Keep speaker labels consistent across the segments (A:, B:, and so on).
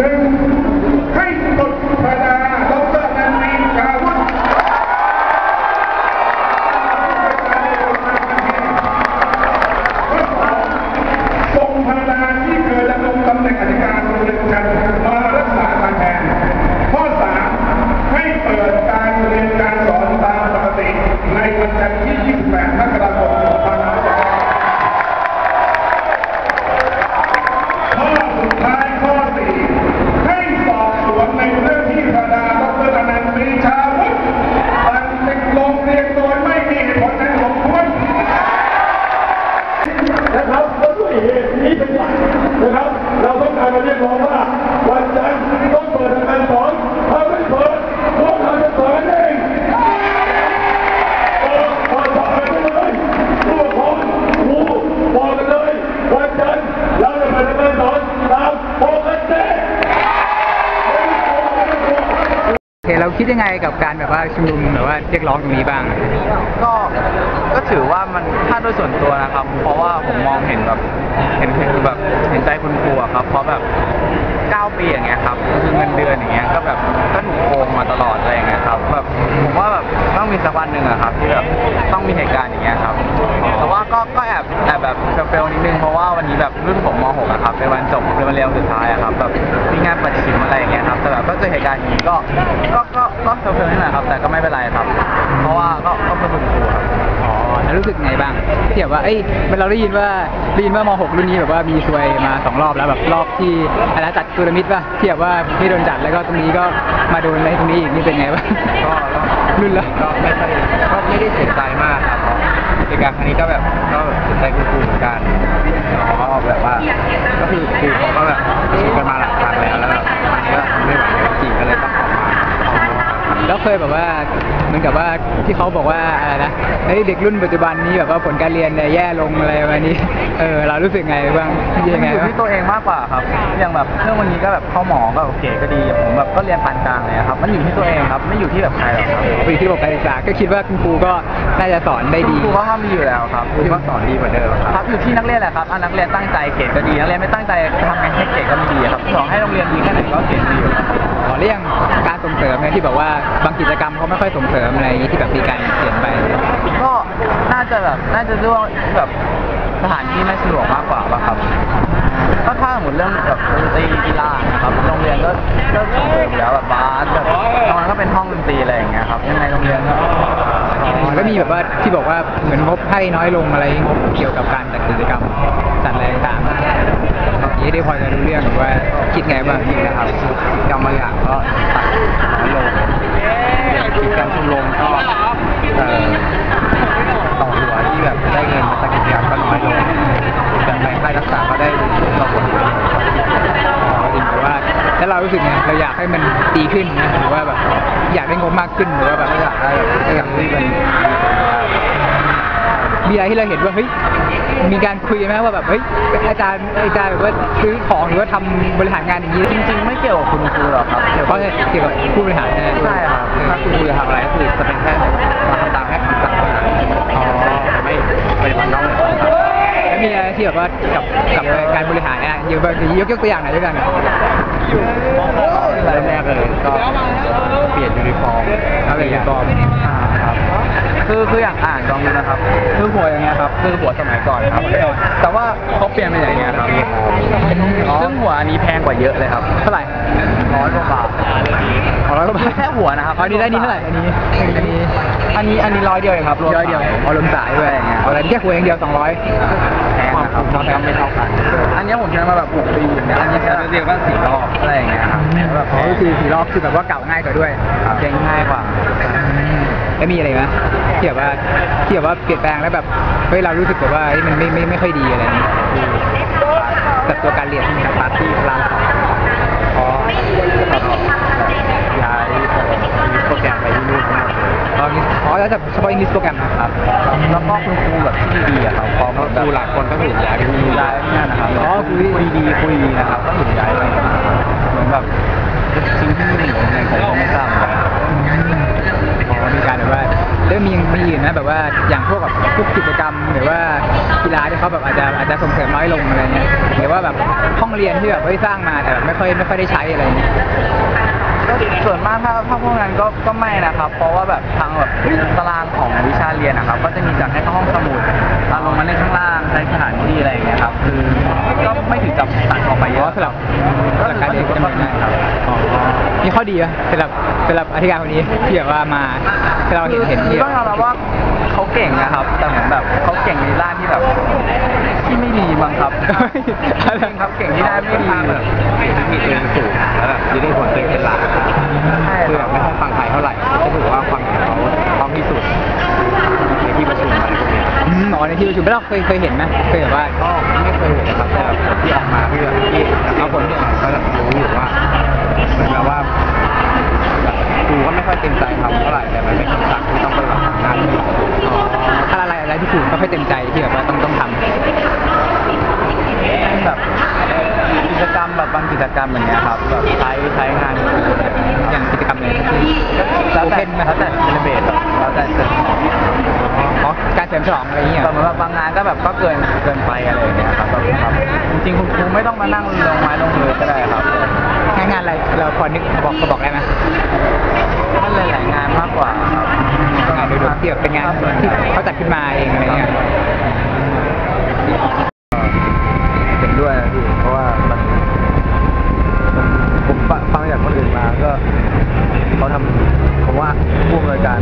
A: 1ให้ปลดพระดาดร.นันทีชาวุฒิส่งพระดาที่เคยดำรงตำแหน่งอธิการโรงเรียนกันมารักษาการแทนข้อ 3ให้เปิดการเรียนการสอนตามปกติในวันจันทร์ที่ 28 มกราคม 2565 ข้อสุดท้ายข้อ 4ให้สอบสวนในเรื่องที่พระดาดร.นันทีชาวุฒิสั่งปิดโรงเรียนโดยไม่มีเหตุผลอันสมควร
B: นะครับและด้วยเหตุนี้เป็นหลักนะครับเราต้องการมาเรียกร้องว่าวันจันทร์ต้องเปิดการสอนถ้าไม่เปิดพวกเราจะสอนเองเปิดสอนกันเลยผู้ปกครองครูบอกกันเลยวันจันทร์เราจะเปิดการสอนตามปกติ
C: เราคิดยังไงกับการแบบว่าชุมนุมหรือว่าเรียกร้องตรงนี้บ้าง
D: ก็ถือว่ามันถ้าโดยส่วนตัวนะครับเพราะว่าผมมองเห็นแบบเห็นใจคุณครูครับเพราะแบบ9 ปีอย่างเงี้ยครับคือเงินเดือนอย่างเงี้ยก็แบบก็ถูกโกงมาตลอดอะไรอย่างเงี้ยครับแบบผมว่าแบบต้องมีสักวันหนึ่งอะครับที่แบบต้องมีเหตุการณ์อย่างเงี้ยครับแต่ว่าก็แอบแบบเฟลนิดนึงเพราะว่าวันนี้แบบรุ่นผมม.6อะครับเป็นวันจบเป็นวันเรียนสุดท้ายอะครับแบบมีงานประชิมอะไรอย่างเงี้ยครับแต่แบบก็เจอเหตุการณ์อย่างนี้ก็เฟลนิดหน่อยครับแต่ก็ไม่เป็นไรครับเพราะว่าก็เป็นคุณครูครับ
C: แล้วรู้สึกไงบ้างที่แบบว่าเราได้ยินว่าม.6 รุ่นนี้แบบว่ามีซวยมา2 รอบแล้วแบบรอบที่อะไรจัดทัวร์นาเมนต์ป่ะที่แบบว่าไม่โดนจัดแล้วก็ตรงนี้ก็มาโดนอะไรตรงนี้อีกนี่เป็นไงบ้าง
D: ก็
C: รุ่นละ
D: ก็ไม่ได้เสียใจมากครับเหตุการณ์ครั้งนี้ก็เสียใจคุณครูเหมือนกันเขาแบบว่าก็คือครูเขาก็แบบชิมกันมาหลายครั้งแล้วแบบมันก็ไม่ไหวจริงก็เลยต้องออกมา
C: แล้วเคยแบบว่าเหมือนกับว่าที่เขาบอกว่าอะไรนะเด็กรุ่นปัจจุบันนี้แบบว่าผลการเรียนแย่ลงอะไรประมาณนี้เรารู้สึกไงบ้าง
D: ยังไงอยู่ที่ตัวเองมากกว่าครับอย่างแบบเรื่องวันนี้ก็แบบเข้าหมอก็โอเคก็ดีผมแบบก็เรียนปานกลางเลยครับมันอยู่ที่ตัวเองครับไม่อยู่ที่แบบใครหรอกครับ
C: อยู่ที่ระบบการศึกษาก็คิดว่าคุณครูก็น่าจะสอนได้ดี
D: ครูก็ทำดีอยู่แล้วครับครูก็สอนดีเหมือนเดิมครับอยู่ที่นักเรียนแหละครับนักเรียนตั้งใจเกรดก็ดีนักเรียนไม่ตั้งใจทำงานให้เกรดก็ไม่ดีครับสอนให้โรงเรียนดีแค่ไหนก็เกรดดีอยู่
C: เรื่องการส่งเสริมเนี่ยที่แบบว่าบางกิจกรรมเขาไม่ค่อยส่งเสริมอะไรที่แบบมีการเปลี่ยนไป
D: ก็น่าจะด้วยแบบสถานที่ไม่สะดวกมากกว่าป่ะครับก็ถ้าหมดเรื่องแบบดนตรีกีฬาครับโรงเรียนก็ส่งเสริมแล้วแบบบาสแบบตอนนั้นก็เป็นห้องดนตรีอะไรอย่างเงี้ยครับยังไงโรงเรียน
C: ก็มีแบบว่าที่บอกว่าเหมือนงบให้น้อยลงอะไรงบเกี่ยวกับการจัดกิจกรรมจัดอะไรต่างๆนี้ได้พอจะรู้เรื่องว่าคิดไงบ้าง
D: นะครับกรรมบางอย่างก็ตัดน้อยลงกิจกรรมชมรมก็ต่อหัวที่แบบได้เงินมาจากกิจกรรมก็น้อยลงแต่ในค่ายรักษาก็ได้ต่อหัว
C: จริงแต่ว่าแล้วเรารู้สึกไงเราอยากให้มันดีขึ้นนะหรือว่าแบบอยากได้งบมากขึ้นหรือว่าแบบ
D: อยากได้แบบอย่างที่มัน
C: มีอะไรที่เราเห็นว่าเฮ้ยมีการคุยไหมว่าแบบเฮ้ยอาจารย์แบบว่าซื้อของหรือว่าทำบริหารงานอย่างนี้
D: จริงๆไม่เกี่ยวกับคุณครูหรอกครับ
C: เกี่ยวกับผู้บริหาร
D: ใช่ครับถ้าคุณครูจะทำอะไรก็คือจะเป็นแค่มาทำตามแค่คำสั่งไม่ปฏิบัตินอกเหนือคำสั่ง
C: แล้วมีอะไรที่แบบว่ากับการบริหารเนี่ยยกตัวอย่างหน่อยด้วยกัน
D: เริ่มแรกเลยก็เปลี่ยนยูนิฟอร์ม
C: ครับ
D: คืออย่างลองดูนะครับคือหัวอย่างเงี้ยครับคือหัวสมัยก่อนครับแต่ว่าเขาเปลี่ยนเป็นอย่างเงี้ยครับซึ่งหัวอันนี้แพงกว่าเยอะเลยครับ
C: เท่าไหร่
D: 100 กว่าบาท
C: 100 กว่าบาท
D: แค่หัวนะครับ
C: อันนี้ได้นี่เท่าไหร่อันนี้
D: 100 เดียวเองครับ
C: 100 เดียวรวมสายด้วยอย่างเงี้ยอะไรแค่หัวอย่างเดียว200
D: แพงนะครับก็ไม่เท่ากันอันนี้ผมใช้มาแบบ6 ปีอย่างเงี้ยอันนี้ใช้เรียกว่า4 รอบอะไรอย่างเงี้ยครับ
C: แบบ4 รอบคือแบบว่าเก่าง่ายกว่าด้วย
D: เก่งง่ายกว่า
C: แล้วมีอะไรไหมที่แบบว่าเปลี่ยนแปลงแล้วแบบเฮ้ยเรารู้สึกแบบว่ามันไม่ค่อยดีอะไรนี้กับตัวการเรียนที่พาร์ทที่เรา
D: ย้ายโปรแกรมไปที่นู่นทั้งหมดเลย
C: แล้วเฉพาะอังกฤษโปรแกรม
D: ครับแล้วก็คุณครูแบบที่ดีอะครับพอครูหลายคนก็ถูกย้ายไปที่นี่นะครับคุยดีนะครับก็ถูกย้ายไปเหมือนแบบจริงที่นี่หรือไงผมก็ไม่ทราบเหมือนกัน
C: มีการแบบว่าแล้วมีอื่นนะแบบว่าอย่างพวกกิจกรรมหรือว่ากีฬาที่ก็แบบอาจจะส่งเสริมน้อยลงอะไรเงี้ยหรือว่าแบบห้องเรียนที่แบบสร้างมาแต่แบบไม่ค่อยได้ใช้อะไรเงี้ย
D: ก็ส่วนมากถ้าพวกนั้นก็ไม่นะครับ เพราะว่าแบบทางแบบตารางของวิชาเรียนนะครับก็จะมีจัดให้เข้าห้องสมุดลงมาเล่นข้างล่างใช้สถานที่อะไรอย่างเงี้ยครับคือก็ไม่ถึงกับตัดออกไปเยอะ
C: สำหรับการเรียนก็จะเหมือนกันครับมีข้อดีไหมสำหรับอธิการคนนี้ที่แบบว่ามาที่เราเห็นที่
D: ต้องยอมรับว่าเขาเก่งนะครับ แต่เหมือนแบบเขาเก่งในด้านที่แบบที่ไม่ดีมั้งครับจริงครับเก่งที่ด้านไม่ดีแบบมีตัวเองสูงแล้วแบบยืนได้ผลตัวเองเป็นหลักคือแบบไม่ค่อยฟังใครเท่าไหร่ก็ถือว่าความเห็นเขาพร้อมที่สุดในที่ประชุมอะไรพวกนี้
C: อ๋อในที่ประชุมเราเคยเห็นไหมเคยแบบว่า
D: ก็ไม่เคยเห็นนะครับแต่แบบผลที่ออกมาเพื่อที่เอาผลที่ออกมาก็จะรู้อยู่ว่าเหมือนแบบว่าครูก็ไม่ค่อยเต็มใจทำเท่าไหร่แต่มันเป็นคำสั่งที่ต้องปฏิบัติงาน
C: ถ้าอะไรที่ครูไม่ค่อยเต็มใจที่แบบว่าต้องทำ
D: แบบกิจกรรมแบบบางกิจกรรมอย่างเงี้ยครับแบบใช้งาน
C: อย่างกิจกรรมเลย
D: แล้วแต่เซเลเบรตแล้วแต่เกิด
C: อ๋อการเฉลิมฉลองอะไรอย่างเงี้ย
D: แบบบางงานก็แบบก็เกินไปอะไรอย่างเงี้ยครับแบบจริงๆคุณครูไม่ต้องมานั่งลงไม้ลงมือก็ได้ครับ
C: งานอะไรเราพอนึกบอกได้ไหม
D: มันหลายๆงานมากกว่าครับ
C: งานโดยรวมที่แบบเป็นงานที่เขาจัดขึ้นมาเองอะไรเงี้ย
D: เห็นด้วยนะพี่เพราะว่าผมฟังจากคนอื่นมาก็เขาทำผมว่าผู้อำนวยการ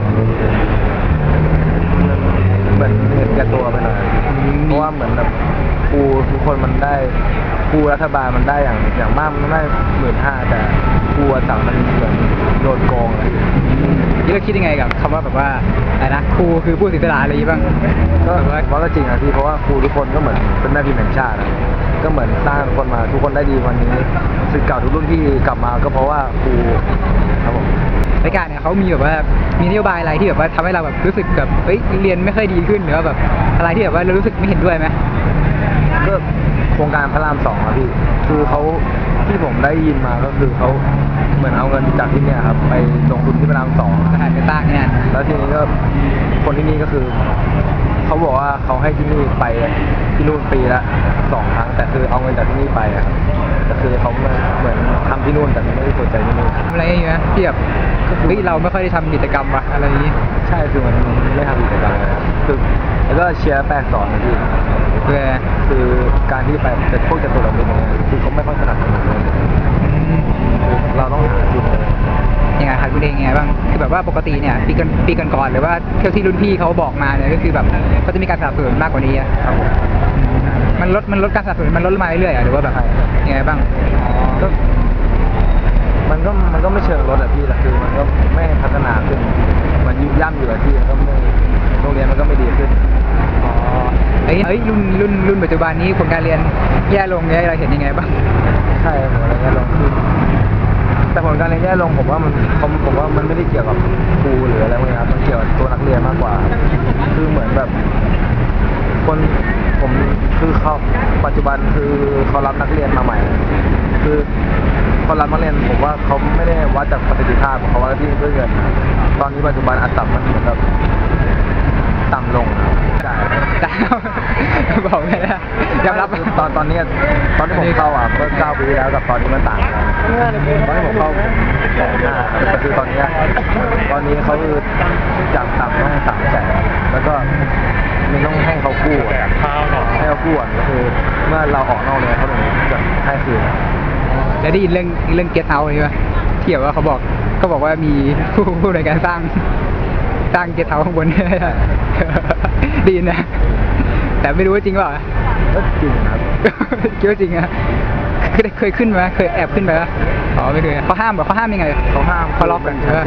D: เหมือนเห็นแก่ตัวไปหน่อยเพราะว่าเหมือนแบบครูทุกคนมันได้ครูรัฐบาลมันได้อย่างมากมันได้15,000แต่ครูอาสามันเหมือนโดนโกงเลย
C: นี่เราคิดยังไงกับคำว่าแบบว่าอะไรนะครูคือผู้เสียสละอะไรอย่างงี้บ้าง
D: ก็ว่าก็จริงนะพี่เพราะว่าครูทุกคนก็เหมือนเป็นแม่พิมพ์แห่งชาตินะก็เหมือนสร้างคนมาทุกคนได้ดีวันนี้ศิษย์เก่าทุกรุ่นที่กลับมาก็เพราะว่าครูครับผม
C: รายการเนี่ยเขามีแบบว่ามีนโยบายอะไรที่แบบว่าทำให้เราแบบรู้สึกแบบเฮ้ยเรียนไม่ค่อยดีขึ้นหรือว่าแบบอะไรที่แบบว่าเรารู้สึกไม่เห็นด้วยไหม
D: ก็โครงการพระราม2ครับพี่คือเขาที่ผมได้ยินมาก็คือเขาเหมือนเอาเงินจากที่เนี่ยครับไปลงทุนที่พระราม2
C: สถานการณ์ต่างเนี่ย
D: แล้วทีนี้ก็คนที่นี่ก็คือเขาบอกว่าเขาให้ที่นี่ไปที่นู่นปีละ2 ครั้งแต่คือเอาเงินจากที่นี่ไปอะครับแต่คือเขาเหมือนทำที่นู่นแต่ไม่ได้สนใจที่นี่
C: ทำอะไรอย่างเงี้ยที่แบบเฮ้ยเราไม่ค่อยได้ทำกิจกรรมวะอะไรอย่างงี้
D: ใช่คือมันไม่ทำกิจกรรมเลยครับคือแล้วก็เชียร์แปลกสอนนะพี่
C: เพื่อ
D: คือการที่ไปเป็นพวกจตุรมิตรเนี่ยคือเขาไม่ค่อยถนัดเลยเราต้องหาจุดเลย
C: ยังไงครับคุณเองยังไงบ้างคือแบบว่าปกติเนี่ยปีก่อนๆหรือว่าเท่าที่รุ่นพี่เขาบอกมาเนี่ยก็คือแบบเขาจะมีการสนับสนุนมากกว่านี้อะ
D: ครับผม
C: มันลดการสนับสนุนมันลดมาเรื่อยๆอะหรือว่าแบบยังไงบ้าง
D: ก็มันก็ไม่เชิงลดอะพี่แต่คือมันก็ไม่พัฒนาขึ้นมันยุบย่ำอยู่อะพี่ก็ไม่โรงเรียนมันก็ไม่ดีขึ้น
C: อ๋อเอ้ยรุ่นปัจจุบันนี้ผลการเรียนแย่ลงเนี่ยเราเห็นยังไงบ้าง
D: ใช่ผมอะไรเงี้ยลงขึ้นแต่ผลการเรียนแย่ลงผมว่ามันไม่ได้เกี่ยวกับครูหรืออะไรพวกนี้ครับมันเกี่ยวกับตัวนักเรียนมากกว่า คือเหมือนแบบคนผมคือเขาปัจจุบันคือเขารับนักเรียนมาใหม่ คือเขารับนักเรียนผมว่าเขาไม่ได้วัดจากประสิทธิภาพเขาวัดที่ด้วยเงินตอนนี้ปัจจุบันอัตรามันเหมือนแบบต่ำลงจ่าย
C: บอกไม่ได้ยอมรับ
D: ตอนนี้ตอนที่ผมเข้าเมื่อ9 ปีที่แล้วกับตอนนี้มันต่างกันตอนที่ผมเข้า150,000แต่คือตอนนี้เขาคือจากต่ำต้อง300,000แล้วก็มันต้องให้เขากู้ให้เขากู้ก็คือเมื่อเราออกนอกเลยเขาถึงจะให้คืน
C: แล้วได้ยินเรื่องเกสต์เฮาส์นี่ป่ะที่แบบว่าเขาบอกว่ามีผู้ในการสร้างเกสต์เฮาส์ข้างบน ได้ยินนะแต่ไม่รู้ว่าจริงเปล่า
D: ก็จริงครับ
C: คิดว่าจริงอะเคยขึ้นไหมเคยแอบขึ้นไปปะอ๋อไม่เคยเขาห้ามยังไงเขาล็อกกันใช่ไหม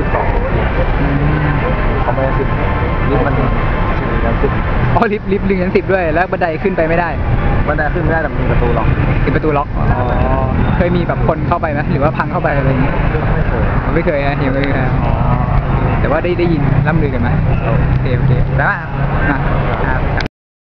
D: 12เขาไม่ได้10ลิฟต์มันถึง10
C: อ๋อลิฟต์1-10ด้วยแล้วบันไดขึ้นไปไม่ได้
D: บันไดขึ้นไม่ได้แต่มีประตูล็อก
C: เป็นประตูล็อกอ๋อเคยมีแบบคนเข้าไปไหมหรือว่าพังเข้าไปอะไรอย่างเงี้ย
D: ไม่เคย
C: ไม่เคยนะยังไม่เคยแต่ว่าได้ยินล่ำลือกันมาโอเคแต่ว่า